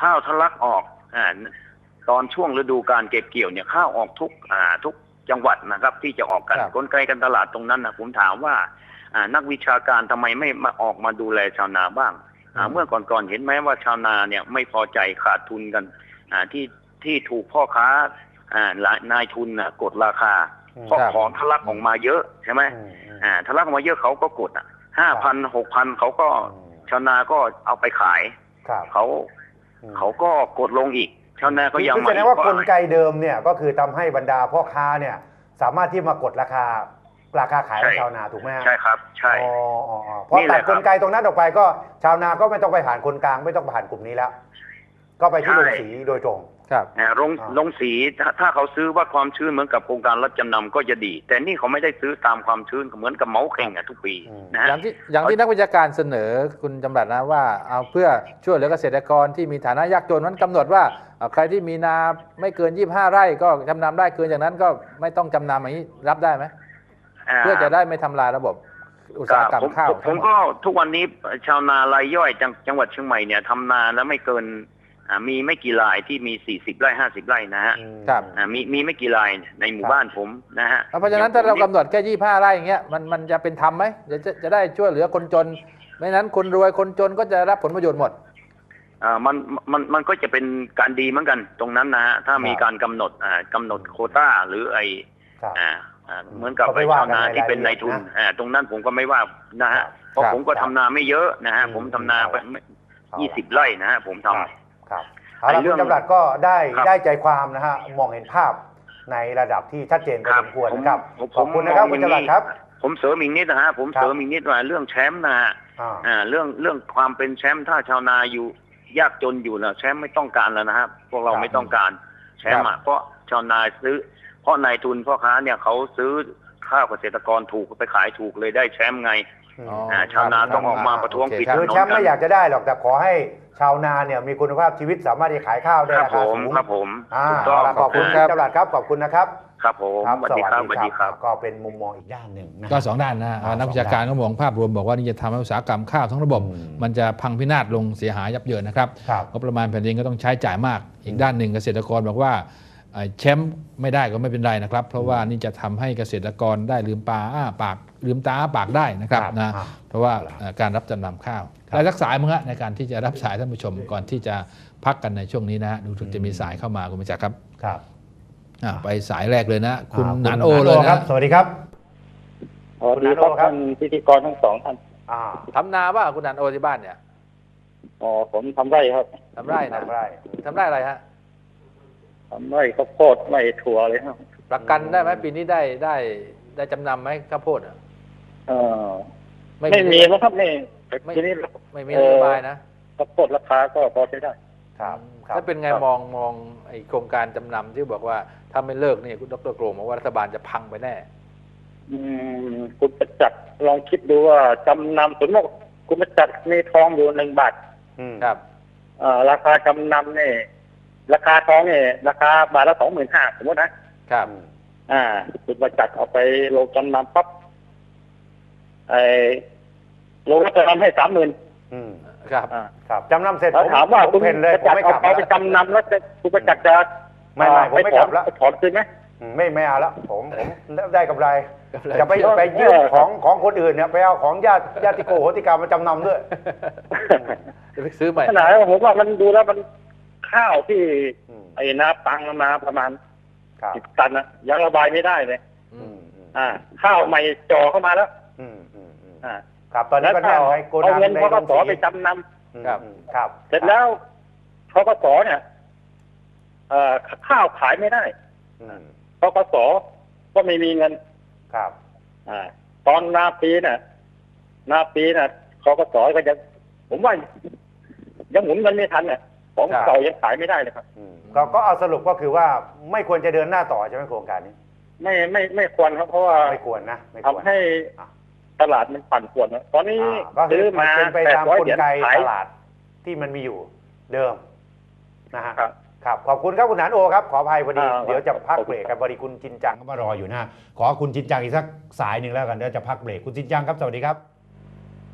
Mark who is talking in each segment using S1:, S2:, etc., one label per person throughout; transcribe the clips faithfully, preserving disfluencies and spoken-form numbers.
S1: ข้าวทะลักออกอ่าตอนช่วงฤดูการเก็บเกี่ยวเนี่ยข้าวออกทุกอ่าทุกจังหวัดนะครับที่จะออกกันกลไกการตลาดตรงนั้นนะผมถามว่านักวิชาการทำไมไม่มาออกมาดูแลชาวนาบ้างเมื่อก่อนๆเห็นไหมว่าชาวนาเนี่ยไม่พอใจขาดทุนกันที่ที่ถูกพ่อค้านายทุนกดราคาเพราะของทะลักออกมาเยอะใช่ไหมทะลักออกมาเยอะเขาก็กดอ่ะห้าพันหกพันเขาก็ชาวนาก็เอาไปขายเขาเขาก็กดลงอีกชาวนาก็ยัง
S2: แสดงว่ากลไกเดิมเนี่ยก็คือทำให้บรรดาพ่อค้าเนี่ยสามารถที่มากดราคาราคาขายให้ชาวนาถูกไหม
S1: ใช่ครับใช่
S2: พอตัดกลไกตรงนั้นออกไปก็ชาวนาก็ไม่ต้องไปผ่านคนกลางไม่ต้องผ่านกลุ่มนี้แล้วก็ไปที่โรงสีโดยตรง
S1: ครับโรงโรงสีถ้าเขาซื้อว่าความชื้นเหมือนกับโครงการรับจำนำก็จะดีแต่นี่เขาไม่ได้ซื้อตามความชื้นเหมือนกับเมาเข่งอ่ะทุกปีนะ
S3: อย่างที่อย่างที่นักวิชาการเสนอคุณจำรัดนะว่าเอาเพื่อช่วยเหลือเกษตรกรที่มีฐานะยากจนนั้นกำหนดว่าใครที่มีนาไม่เกินยี่สิบห้าไร่ก็จำนำได้เกินอย่างนั้นก็ไม่ต้องจำนำอย่างนี้รับได้ไหมเพื่อจะได้ไม่ทำลายระบบอุตสาหกรรมข้าว
S1: ผมก็ทุกวันนี้ชาวนารายย่อยจังหวัดเชียงใหม่เนี่ยทำนาแล้วไม่เกินมีไม่กี่รายที่มีสี่สิบไร่ห้าสิบไร่นะฮะ
S3: ครับ
S1: มีมีไม่กี่รายในหมู่บ้านผมนะฮะ
S3: เพราะฉะนั้นถ้าเรากำหนดแค่ยี่สิบห้าไร่อย่างเงี้ยมันมันจะเป็นธรรมไหมจะจะได้ช่วยเหลือคนจนไม่นั้นคนรวยคนจนก็จะรับผลประโยชน์หมด
S1: อ่ามันมันมันก็จะเป็นการดีเหมือนกันตรงนั้นนะฮะถ้ามีการกำหนดอ่ากำหนดโควต้าหรือไออ่าเหมือนกับไอ้ชาวนาที่เป็นนายทุนอ่าตรงนั้นผมก็ไม่ว่านะฮะเพราะผมก็ทำนาไม่เยอะนะฮะผมทำนาไปยี่สิบไร่นะฮะผมทำ
S2: ครับเอาละคุณจำรัดก็ได้ได้ใจความนะฮะมองเห็นภาพในระดับที่ชัดเจนพอสมควรนะครับขอบคุณนะครับคุณจำรัดครับ
S1: ผมเสริมอีกนิดนะฮะผมเสริมอีกนิดว่าเรื่องแชมป์นะฮะอ่าเรื่องเรื่องความเป็นแชมป์ถ้าชาวนาอยู่ยากจนอยู่นะแชมป์ไม่ต้องการแล้วนะครับพวกเราไม่ต้องการแชมป์อ่ะเพราะชาวนาซื้อเพราะนายทุนพ่อค้าเนี่ยเขาซื้อข้าวเกษตรกรถูกไปขายถูกเลยได้แชมป์ไงชาวนาต้องออกมาประท้วงปิดถนน
S2: คือแชมป์ไม่อยากจะได้หรอกแต่ขอให้ชาวนาเนี่ยมีคุณภาพชีวิตสามารถที่ขายข้าวได้ราคาสูง
S1: ครับผม
S2: ขอบคุณครับจำรัดครับขอบคุณนะครับ
S1: ครับผมสวัสดีครับสวัสดีครับ
S2: ก็เป็นมุมมองอีกด้านหนึ่ง
S3: ก็สองด้านนะนักวิชาการก็มองภาพรวมบอกว่านี่จะทำให้อุตสาหกรรมข้าวทั้งระบบมันจะพังพินาศลงเสียหายยับเยินนะครับงบประมาณแผ่นดินก็ต้องใช้จ่ายมากอีกด้านหนึ่งเกษตรกรบอกว่าแชมป์ไม่ได้ก็ไม่เป็นไรนะครับเพราะว่านี่จะทำให้เกษตรกรได้ลืมปลาอ้าปากลืมตาอ้าปากได้นะครับนะเพราะว่าการรับจำนำข้าวและรักษาเมื่อในการที่จะรับสายท่านผู้ชมก่อนที่จะพักกันในช่วงนี้นะดูถึงจะมีสายเข้ามาคุณมิจักครับ
S2: ครับ
S3: ไปสายแรกเลยนะคุณหนานโอเลยนะ
S2: สวัสดีครับ
S4: สวัสดีครับท่านพิธีกรทั้งสองท่าน
S3: ทำนาป่ะคุณหนานโอที่บ้านเนี่ย
S4: อ๋อผมทำไร่ครับ
S3: ทำไร่นะทำไร่ทำไร่อะไรฮะ
S4: ทำไร่ข้าวโพดไร่ถั่วเลยครับ
S3: ประกันได้ไหมปีนี้ได้ได้ได้จำนำไหมข้าวโพดอ่ะ
S4: เออไม่มีนะครับนี่ทีนี้
S3: ไม่มีนโยบายนะ
S4: ข้าวโพดราคาก็พอใช้ได้
S2: ครับ
S3: ถ้าเป็นไงมองมองไอโครงการจำนำที่บอกว่าถ้าไม่เลิกนี่คุณดร.โกรมบอกว่ารัฐบาลจะพังไปแน่
S4: อืมคุณประจักษ์ลองคิดดูว่าจำนำสมมติคุณประจักษ์มีทองอยู่หนึ่งบาท
S3: ครับ
S4: เอ่อราคาจำนำเนี่ยราคาทองเนี่ยราคาบาทละสองหมื่นห้าสมมตินะครับอ่าคุณประจักษ์เอาไปลงจำนำปั๊บไอ้ลงจำนำให้สามหมื่น
S3: ครับ
S2: ครับจำนำเสร็จ
S4: ถามว่าคุณประจักษ์เอาไปจำนำแล้วคุณประจักษ์จะ
S2: ไม่ไม่ผมไม่กลับแล้ว
S4: ถอนคืนไหม
S2: ไม่ไม่เอาแล้วผมผมได้กำไรจะไปไปยืมของของคนอื่นเนี่ยไปเอาของญาติญาติโกโหติกามาจำนำด้วย
S3: จะไปซื้อใหม่
S4: ขนาดผมว่ามันดูแล้วมันข้าวที่ไอ้นาปังมาประมาณสิบตันนะยังระบายไม่ได้เลยอ่าข้าวใหม่จ่อเข้ามาแล้ว
S2: อ่าครับตอนนี้ก็
S4: ได้เอาเงินพกสไปจำนำ
S2: ครับครับ
S4: เสร็จแล้วพกสเนี่ยเอ่อข้าวขายไม่ได้พกสก็ไม่มีเงิน
S2: ครับ
S4: อ่าตอนนาปีเนี่ยนาปีเนี่ยพกสก็ยังผมว่ายังหมุนเงินไม่ทันเนี่ยของเก่ายังขายไม่ได้เลยครับ
S2: ก็ก็เอาสรุปก็คือว่าไม่ควรจะเดินหน้าต่อใช่ไหมโครงการนี้
S4: ไม่ไม่ไม่ควรครับเพราะว่า
S2: ไม่ควรนะ
S4: ทำให้ตลาดมันปั่นป่วนตอนนี้
S2: ซื้อมาเป็นไปตามกลไกตลาดที่มันมีอยู่เดิมนะฮะครับขอบคุณครับคุณหนานโอครับขออภัยพอดีเดี๋ยวจะพักเบรกกันพอดีคุณจินจังก็มารออยู่นะขอคุณจินจังอีกสักสายหนึ่งแล้วกันเดี๋ยวจะพักเบรกคุณจินจังครับสวัสดีครับ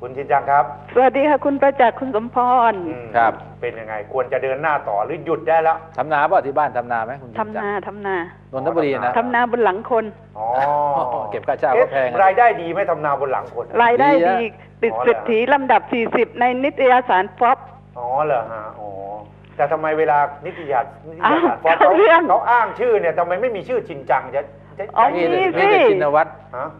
S2: คุณชินจังครับ
S5: สวัสดีค่ะคุณประจักษ์คุณสมพร
S3: ครับ
S2: เป็นยังไงควรจะเดินหน้าต่อหรือหยุดได้แล้ว
S3: ทำนาป่ะที่บ้านทำนาไหมคุณชินจัง
S5: ทำนาทำนาน
S3: นทบุรีนะ
S5: ทำนาบนหลังคน
S2: อ๋อ
S3: เก็บค่าเช่าก็แพง
S2: รายได้ดีไหมทำนาบนหลังคน
S5: รายได้ดีติดเศรษฐีลำดับสี่สิบในนิตยสารฟอบ
S2: อ๋อเหรอฮะอ๋อแต่ทำไมเวลานิตยสารฟอบเขาเขาอ้างชื่อเนี่ยทำไมไม่มีชื่อชินจังจะ
S5: อ๋อ
S3: มีสิชินวัตร
S2: ฮะ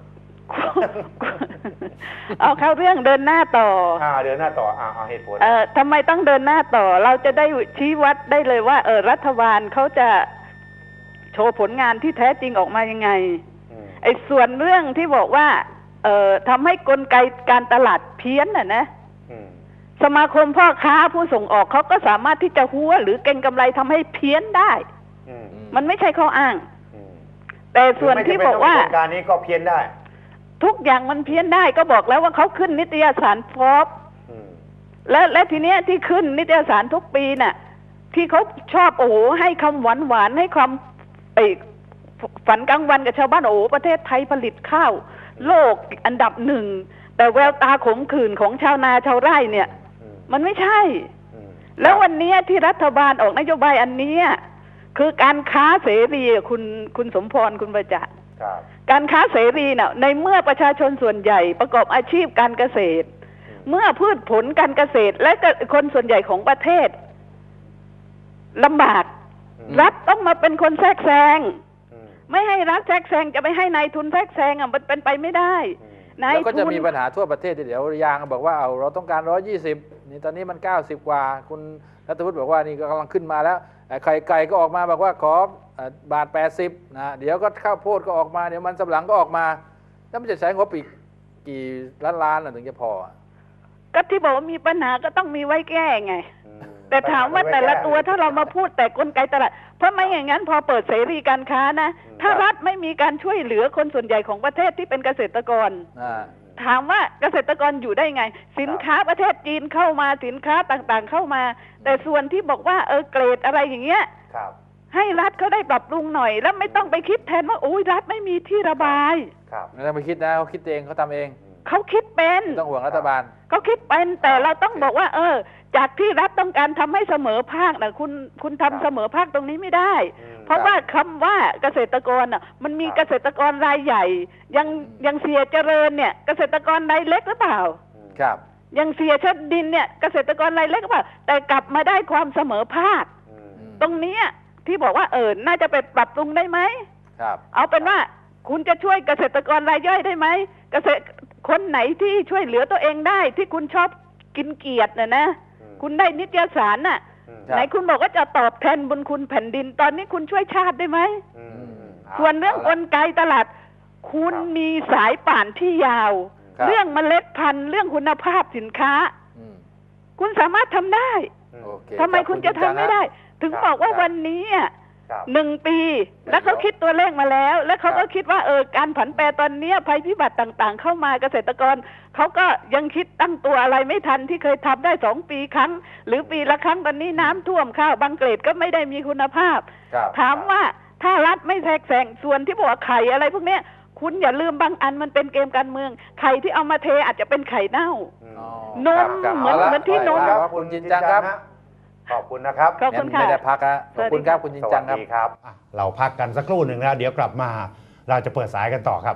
S5: เอาเข้าเรื่องเดินหน้าต่อ
S2: อ่าเดินหน้าต่ออ่าเอาเหตุผล
S5: เอ่อทำไมต้องเดินหน้าต่อเราจะได้ชี้วัดได้เลยว่าเออรัฐบาลเขาจะโชว์ผลงานที่แท้จริงออกมายังไงไอ้ส่วนเรื่องที่บอกว่าเอ่อทำให้กลไกการตลาดเพี้ยนน่ะนะสมาคมพ่อค้าผู้ส่งออกเขาก็สามารถที่จะหัวหรือเก็งกำไรทำให้เพี้ยนได้มันไม่ใช่ข้ออ้างแต่ส่วนที่บอกว่า
S2: การนี้ก็เพี้ยนได้
S5: ทุกอย่างมันเพี้ยนได้ก็บอกแล้วว่าเขาขึ้นนิตยสารฟอบและและทีเนี้ยที่ขึ้นนิตยสารทุกปีน่ะที่เขาชอบโอ้โหให้คำหวานหวานให้ความไอ้ฝันกลางวันกับชาวบ้านโอ้โหประเทศไทยผลิตข้าวโลกอันดับหนึ่งแต่แววตาขมขื่นของชาวนาชาวไร่เนี่ยมันไม่ใช่แล้ววันนี้ที่รัฐบาลออกนโยบายอันนี้คือการค้าเสรีคุณคุณสมพรคุณประจักษ์การค้าเสรีเนี่ยในเมื่อประชาชนส่วนใหญ่ประกอบอาชีพการเกษตรเมื่อพืชผลการเกษตรและคนส่วนใหญ่ของประเทศลำบากรัฐต้องมาเป็นคนแทรกแซงไม่ให้รัฐแทรกแซงจะไม่ให้นายทุนแทรกแซงอ่ะมันเป็นไปไม่ได้นายทุน
S3: แล้วก็จะมีปัญหาทั่วประเทศเดี๋ยวยางบอกว่าเอาเราต้องการร้อยยี่สิบนี่ตอนนี้มันเก้าสิบกว่าคุณรัฐวุฒิบอกว่านี่ก็กำลังขึ้นมาแล้วไข่ไก่ก็ออกมาบอกว่าขอบาทแปดสิบนะเดี๋ยวก็ข้าวโพดก็ออกมาเดี๋ยวมันสำปะหลังก็ออกมาแล้วมันจะใช้งบอีกกี่ล้านล้านถึงจะพอ
S5: ก็ที่บอกว่ามีปัญหาก็ต้องมีไว้แก้ไงแต่ถามว่าแต่ละตัวถ้าเรามาพูดแต่กลไกตลาดเพราะไม่อย่างนั้นพอเปิดเสรีการค้านะถ้ารัฐไม่มีการช่วยเหลือคนส่วนใหญ่ของประเทศที่เป็นเกษตรกรถามว่าเกษตรกรอยู่ได้ไงสินค้าประเทศจีนเข้ามาสินค้าต่างๆเข้ามาแต่ส่วนที่บอกว่าเออเกรดอะไรอย่างเงี้ยให้รัฐเขาได้ปรับปรุงหน่อยแล้วไม่ต้องไปคิดแทนว่าโอ้ยรัฐไม่มีที่ระบาย
S3: ไม่ต้องไปคิดนะเขาคิดเองเขาทำเอง
S5: เขาคิดเป็น
S3: ต้องห่วงรัฐบาล
S5: เขาคิดเป็นแต่เราต้องบอกว่าเออจากที่รัฐต้องการทำให้เสมอภาคนะคุณคุณทำเสมอภาคตรงนี้ไม่ได้เพราะว่าคำว่าเกษตรกรน่ะมันมีเกษตรกรรายใหญ่ยังยังเสียเจริญเนี่ยเกษตรกรรายเล็กหรือเปล่า
S3: ครับ
S5: ยังเสียชดดินเนี่ยเกษตรกรรายเล็กหรือเปล่าแต่กลับมาได้ความเสมอภาคตรงนี้ที่บอกว่าเออน่าจะไปปรับปรุงได้ไหม
S3: ครับ
S5: เอาเป็นว่าคุณจะช่วยเกษตรกรรายย่อยได้ไหมเกษตรคนไหนที่ช่วยเหลือตัวเองได้ที่คุณชอบกินเกียรติน่ะนะคุณได้นิตยสารน่ะไหนคุณบอกว่าจะตอบแทนบุญคุณแผ่นดินตอนนี้คุณช่วยชาติได้ไหมส่วนเรื่องกลไกตลาดคุณมีสายป่านที่ยาวเรื่องเมล็ดพันธุ์เรื่องคุณภาพสินค้าคุณสามารถทำได้ทำไมคุณจะทำไม่ได้ถึงบอกว่าวันนี้หนึ่งปีแล้วเขาคิดตัวเลขมาแล้วแล้วเขาก็คิดว่าเออการผันแปรตอนนี้ภัยพิบัติต่างๆเข้ามาเกษตรกรเขาก็ยังคิดตั้งตัวอะไรไม่ทันที่เคยทำได้สองปีครั้งหรือปีละครั้งตอนนี้น้ำท่วมข้าวบางเกรดก็ไม่ได้มีคุณภาพถามว่าถ้ารัฐไม่แทรกแซงส่วนที่บอกไข่อะไรพวกนี้คุณอย่าลืมบางอันมันเป็นเกมการเมืองไข่ที่เอามาเทอาจจะเป็นไข่เน่านมเหมือนเหมือนที่นม
S3: คุณจินจังครับ
S2: ขอบคุณนะครับ
S5: ขอบคุณค่ะ
S3: ไม่ได้พักครับขอบคุณครับคุณจินจัง
S2: ครับเราพักกันสักครู่หนึ่งแล้วเดี๋ยวกลับมาเราจะเปิดสายกันต่อครับ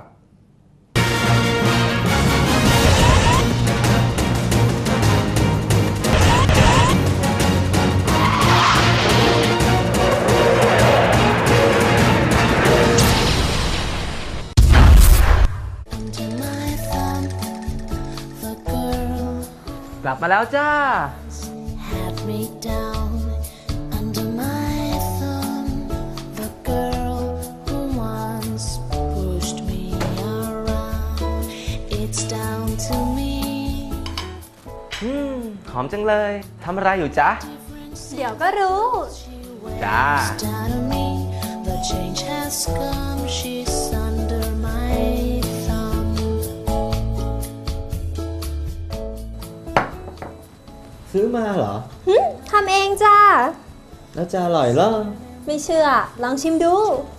S6: ลับมาแล้วจ้าอืมหอมจังเลยทำอะไรอยู่จ๊ะ
S7: เดี๋ยวก็รู้
S6: จ้าซื้อมาเหรอ
S7: ทำเองจ้า
S6: แล้วจะอร่อยเหรอ
S7: ไม่เชื่อลองชิมดู